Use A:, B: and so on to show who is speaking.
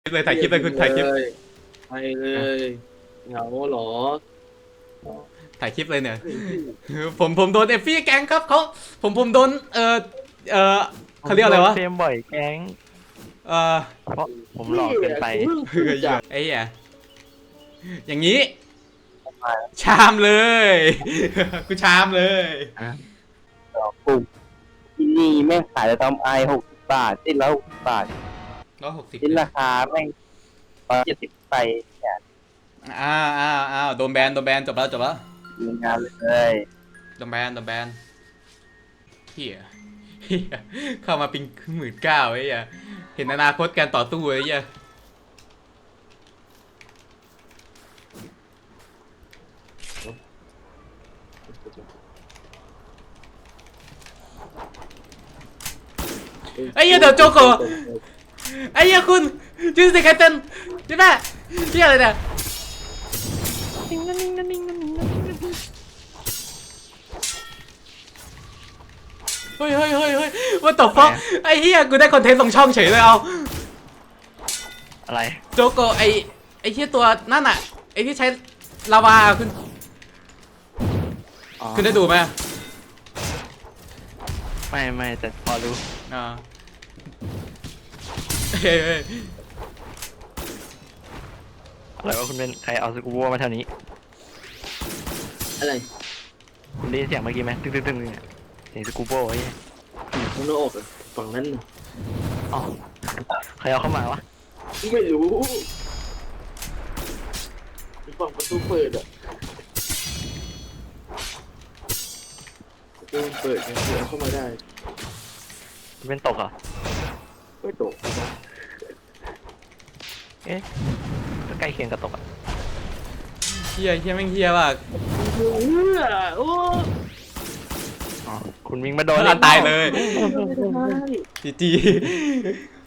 A: เลยถ่ายคลิปเลยคุณถ่ายคลิป
B: ไปเลยเหงาเหรอ
A: ถ่ายคลิปเลยเนี่ยผมโดนเอฟฟี่แก๊งครับเขาผมโดนเออเขาเรียกอะไรวะ
C: เฟรมบ่อยแก๊ง
A: เออ
C: เพราะผมหลอกเกินไป
A: ไอ้เหี้ยอย่างนี้ ชามเลยกูชามเลย
D: ปุ่มที่นี่แม่งขายแต่ตอมไอ60 บาทสิ้นละ60 บาท
A: 160
D: สิ้นราคาแม่ง70ไปเนี่ย
A: อ้าวโดนแบนจบแล้ว
D: มีงานเลย
A: โดนแบนเฮียเข้ามาปิง19,000ไอ้เหี้ยเห็นอนาคตการต่อสู้ไอ้เหี้ยไอ้เหี้ยเดี๋ยวโจโกไอ้เหี้ยคุณจูสิแคทเทนใช่ไหมเหี้ยอะไรเนี่ยเฮ้ยว่าตบฟอกไอ้เหี้ยกูได้คอนเทนต์ลงช่องเฉยเลยเอา
C: อะไร
A: โจโกไอ้เหี้ยตัวนั่นอ่ะไอ้ที่ใช้ลาวาคุณ
C: อ๋อ
A: คุณได้ดูไหม
C: ไม่แต่พอรู้
A: อ่าเฮ้ย
C: อะไรว่าคุณเป็นใครเอาสกูบัวมาเท่านี้
B: อะไร
C: คุณได้ยินเสียงเมื่อกี้ไหมตึ้งเนี่ยเสียงสกูบัวไอ้เนี่ย
B: ข้างนอกอะฝั่งนั้นน่ะ
C: อ๋อใครเอาเข้ามาวะ
B: ไม่รู้ฝั่งประตูเปิดอะประตูเปิดยังเดินเข้ามาได้
C: คุณเป็นตกเหรอ
B: ไม่ตกนะ
C: เอ๊ะก็ใกล้เคียงกับตกอ่ะ
A: เฮียแม่งเฮียว่ะ
B: โอ้
C: อ๋อคุณวิ่งมาโด
A: โด
C: น
A: นตายเลย
B: ไม่ได้
A: จี